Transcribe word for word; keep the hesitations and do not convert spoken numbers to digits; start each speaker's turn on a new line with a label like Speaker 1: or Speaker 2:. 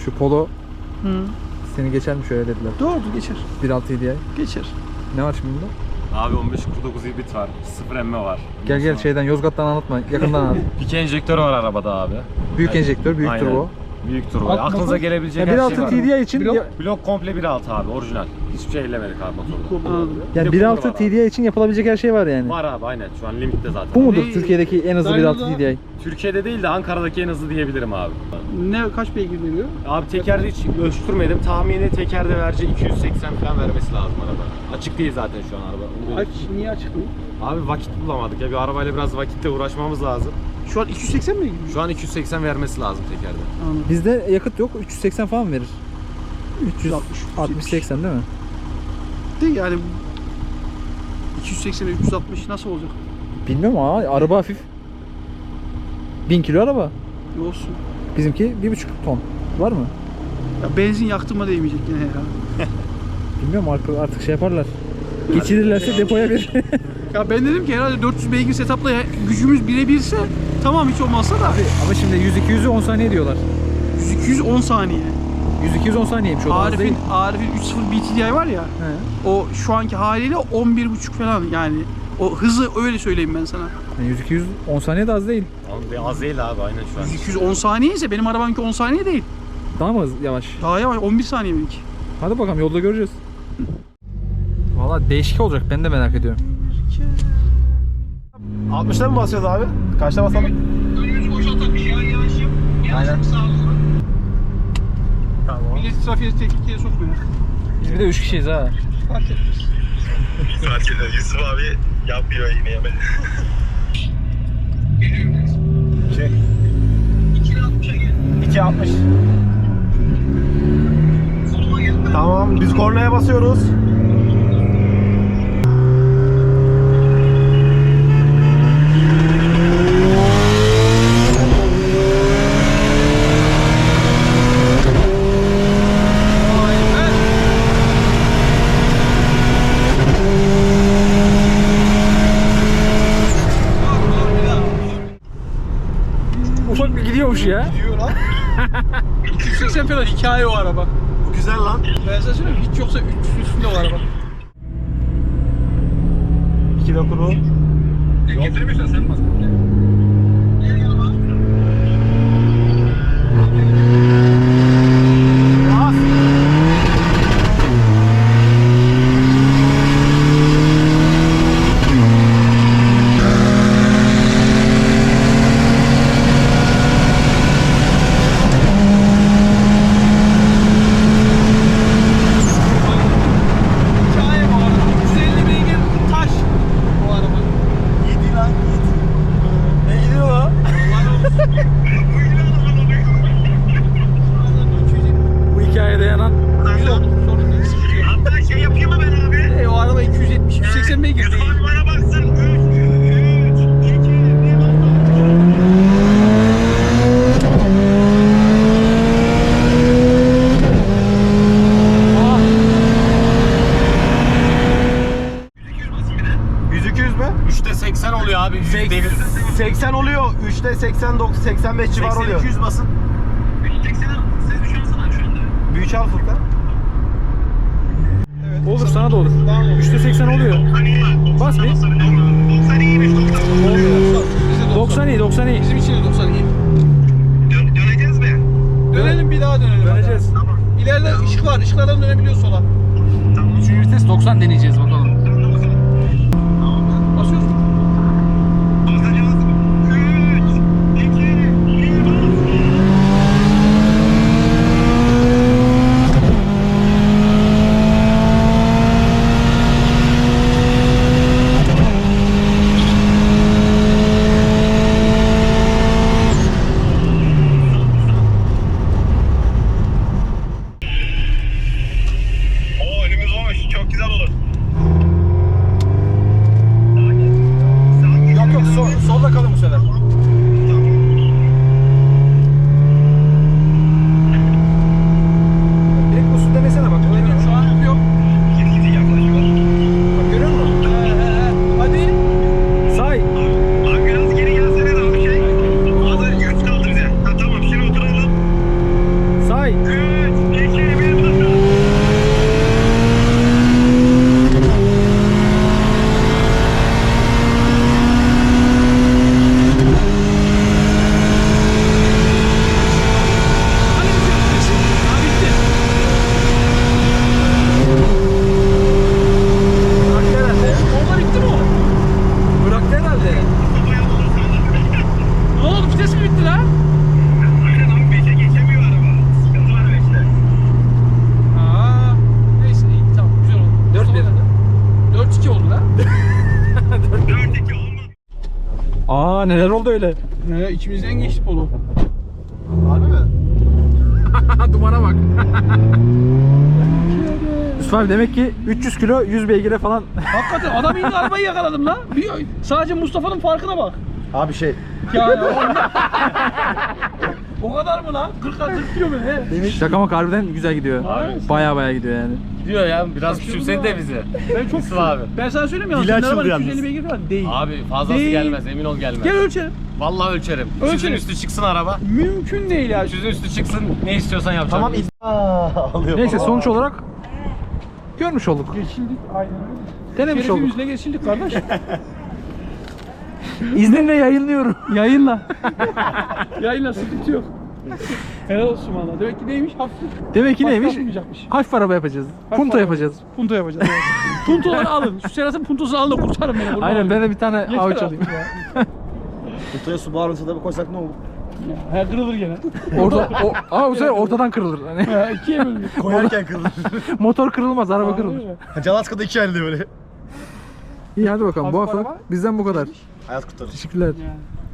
Speaker 1: Şu Polo
Speaker 2: Hı.
Speaker 1: seni geçer mi şöyle dediler.
Speaker 2: Doğrudur, geçer.
Speaker 1: bir altı T D I.
Speaker 2: Geçer.
Speaker 1: Ne var şimdi bunda?
Speaker 3: Abi on beş kırk dokuz hibrit var. sıfır emme var.
Speaker 1: Gel gel şeyden Yozgat'tan anlatma. Yakından anlat.
Speaker 3: İki enjektör var arabada abi.
Speaker 1: Büyük enjektör, büyük
Speaker 3: Aynen.
Speaker 1: turbo.
Speaker 3: Büyük turbo.
Speaker 2: Alt
Speaker 3: Aklınıza
Speaker 2: motor.
Speaker 3: gelebilecek
Speaker 1: Ya
Speaker 3: her
Speaker 1: bir
Speaker 3: şey
Speaker 1: altı
Speaker 3: var.
Speaker 1: T D I için
Speaker 2: Blok-
Speaker 1: ya-
Speaker 3: Blok komple bir altı abi orijinal. Hiçbir şey ellemedik abi motorda.
Speaker 2: Anladım.
Speaker 1: yani
Speaker 3: Bir de
Speaker 1: bir
Speaker 3: kullanı
Speaker 1: altı
Speaker 3: var
Speaker 1: T D I için yapılabilecek her şey var yani.
Speaker 3: Var abi aynen şu an limitte zaten.
Speaker 1: Bu mudur
Speaker 2: Ne-
Speaker 1: Türkiye'deki en hızlı bir altı
Speaker 2: Dyno'da-
Speaker 1: T D I?
Speaker 3: Türkiye'de değil de Ankara'daki en hızlı diyebilirim abi.
Speaker 2: Ne, kaç beygir veriyor?
Speaker 3: Abi tekerde hiç ölçtürmedim. Tahmini tekerde vereceği iki yüz seksen falan vermesi lazım araba. Açık değil zaten şu an araba.
Speaker 2: Aç, niye açık mı?
Speaker 3: Abi vakit bulamadık ya bir arabayla biraz vakitle uğraşmamız lazım.
Speaker 2: Şu an iki yüz seksen beygir mi?
Speaker 3: Şu an iki yüz seksen vermesi lazım tekerde.
Speaker 2: Anladım.
Speaker 1: Bizde yakıt yok. üç yüz seksen falan verir.
Speaker 2: üç yüz altmış,
Speaker 1: altmış seksen değil mi?
Speaker 2: De yani iki yüz seksen üç yüz altmış nasıl olacak?
Speaker 1: Bilmiyorum ama araba hafif. bin kilo araba.
Speaker 2: Ne olsun.
Speaker 1: Bizimki bir buçuk ton. Var mı?
Speaker 2: Ya benzin yaktığıma değmeyecek yine ya.
Speaker 1: Bilmiyorum artık, artık şey yaparlar. Geçirirlerse depoya verir.
Speaker 2: Ya ben dedim ki herhalde dört yüz beygir setup'la ya- gücümüz birebirse tamam hiç olmazsa da
Speaker 1: Ama şimdi yüz iki yüzü on saniye diyorlar.
Speaker 2: yüz iki yüz on saniye.
Speaker 1: yüz iki yüz on saniyeymiş o da az değil.
Speaker 2: Arif'in Arif'in üç sıfır B T D I var ya.
Speaker 1: He.
Speaker 2: O şu anki haliyle on bir buçuk falan yani. O hızı öyle söyleyeyim ben sana.
Speaker 1: Yani yüz iki yüz on saniye de az değil.
Speaker 3: Abi az değil abi aynen şu an.
Speaker 2: yüz iki yüz on saniye ise benim arabamki on saniye değil.
Speaker 1: Daha mı hız- yavaş?
Speaker 2: Daha yavaş on bir saniye benimki.
Speaker 1: Hadi bakalım yolda göreceğiz. Valla değişik olacak, ben de merak ediyorum.
Speaker 3: altmışta mı basıyoruz abi? Kaçta basalım?
Speaker 2: Önümüzü boşaltamış ya yavaş yap.
Speaker 3: Aynen.
Speaker 2: Sağa doğru.
Speaker 3: Tamam.
Speaker 2: Milleti trafiğe tehlikeye sokmuyor.
Speaker 1: Biz bir de üç kişiyiz ha.
Speaker 2: Fark etmez.
Speaker 4: Fark eder. Yusuf abi yapıyor yine yemedi.
Speaker 3: Şey.
Speaker 2: iki altmışa gel.
Speaker 3: iki altmış.
Speaker 2: Soluma gel.
Speaker 3: Tamam biz kornaya basıyoruz.
Speaker 1: Ufak bir gidiyormuş ya.
Speaker 2: Diyor lan. iki yüz seksen falan hikaye o araba.
Speaker 3: Bu güzel lan.
Speaker 2: Ben sana söyleyeyim hiç yoksa üç yüz üstünde o araba.
Speaker 3: iki dokuru.
Speaker 4: Getiremiyorsan sen bas.
Speaker 2: Hikaye bu araba. yüz elli beygir taş bu araba.
Speaker 3: yedi lan yedi. Ne gidiyor lan?
Speaker 1: Bu hikayede yanan.
Speaker 2: Sorun değil, sıkıntı yok.
Speaker 4: Hatta şey yapayım mı ben abi?
Speaker 2: E, o araba iki yüz yetmiş yüz seksen beygir
Speaker 4: Yusuf
Speaker 2: değil.
Speaker 4: abi bana baksın. üç, üç, iki, bir.
Speaker 3: yüz iki yüz mü? üçte seksen oluyor abi. seksen oluyor. üçte seksen doksan seksen beş civarı oluyor. iki yüz basın.
Speaker 4: üç sekseni siz düşünsene şu anda.
Speaker 3: Büyük al Furkan.
Speaker 1: Olur, sana da olur. üçte seksen oluyor. Bas bir.
Speaker 4: doksan iyiymiş. doksan.
Speaker 1: doksan iyi, doksan iyi.
Speaker 2: Bizim için de doksan iyi.
Speaker 4: Dön, döneceğiz mi?
Speaker 2: Dönelim bir daha dönelim.
Speaker 1: Döneceğiz.
Speaker 4: Tamam.
Speaker 2: İleride ışık var. Işıklardan dönebiliyoruz sola.
Speaker 1: Üçüncü vites doksan deneyeceğiz bakalım.
Speaker 2: Basıyoruz.
Speaker 4: Basacağız. üç, iki, bir. Oo önümüz boş. Çok güzel olur.
Speaker 2: dört iki oldu lan.
Speaker 4: dört iki olmadı.
Speaker 1: Aa neler oldu öyle?
Speaker 2: He, içimizden geçti Polo.
Speaker 3: Harbi mi?
Speaker 1: Dumana bak. Yusuf abi demek ki üç yüz kilo yüz beygire falan.
Speaker 2: Hakikaten adam indi arabayı yakaladım lan. Bir, sadece Mustafa'nın farkına bak.
Speaker 3: Abi şey.
Speaker 2: Ya ya onda- O kadar mı lan? kırk kırk diyor mu he?
Speaker 1: Şaka maka harbiden güzel gidiyor.
Speaker 2: Abi.
Speaker 1: Baya baya gidiyor yani.
Speaker 3: Diyor ya biraz küçümsedi de bizi.
Speaker 2: Ben çok
Speaker 3: Yusuf abi.
Speaker 2: Ben sana söyleyeyim ya.
Speaker 3: Dili
Speaker 2: senin
Speaker 3: açıldı
Speaker 2: arabanın
Speaker 3: yalnız.
Speaker 2: iki yüz elli beygir falan değil.
Speaker 3: Abi fazlası
Speaker 2: Değil.
Speaker 3: gelmez emin ol gelmez.
Speaker 2: Gel ölçelim.
Speaker 3: Vallahi ölçerim.
Speaker 2: Ölçelim.
Speaker 3: üç yüzün üstü çıksın araba.
Speaker 2: Mümkün değil ya.
Speaker 3: üç yüzün üstü çıksın ne istiyorsan yapacağım. Tamam.
Speaker 1: Neyse sonuç olarak görmüş olduk.
Speaker 2: Geçildik aynen öyle.
Speaker 1: Denemiş olduk.
Speaker 2: Şerefimizle geçildik kardeş.
Speaker 1: İzninle yayınlıyorum.
Speaker 2: Yayınla. Yayınla sıkıntı yok. Helal olsun valla. Demek ki neymiş? Hafif.
Speaker 1: Demek ki
Speaker 2: Başka
Speaker 1: neymiş?
Speaker 2: yapmayacakmış.
Speaker 1: Hafif araba yapacağız.
Speaker 2: Hafif
Speaker 1: Punto
Speaker 2: araba.
Speaker 1: yapacağız.
Speaker 2: Punto yapacağız. Evet. Puntoları alın. Şu Serhat'ın puntosunu alın da kurtarın beni. buradan.
Speaker 1: Aynen ben de bir tane
Speaker 2: Yeter
Speaker 1: avuç
Speaker 2: artık
Speaker 1: alayım.
Speaker 2: ya.
Speaker 3: Kutuya su bağırınsa da koysak ne olur?
Speaker 2: Ya, he, kırılır gene.
Speaker 1: Orada o ama bu sefer ortadan kırılır. Hani
Speaker 2: Ya, ikiye bölünür.
Speaker 3: Koyarken kırılır.
Speaker 1: motor kırılmaz, araba kırılır.
Speaker 3: Calaska'da iki halde böyle.
Speaker 1: İyi hadi bakalım. Bu
Speaker 2: Hafif
Speaker 1: hafta
Speaker 2: araba.
Speaker 1: bizden bu kadar.
Speaker 3: Hayat kurtarır.
Speaker 1: Teşekkürler.
Speaker 2: Yani.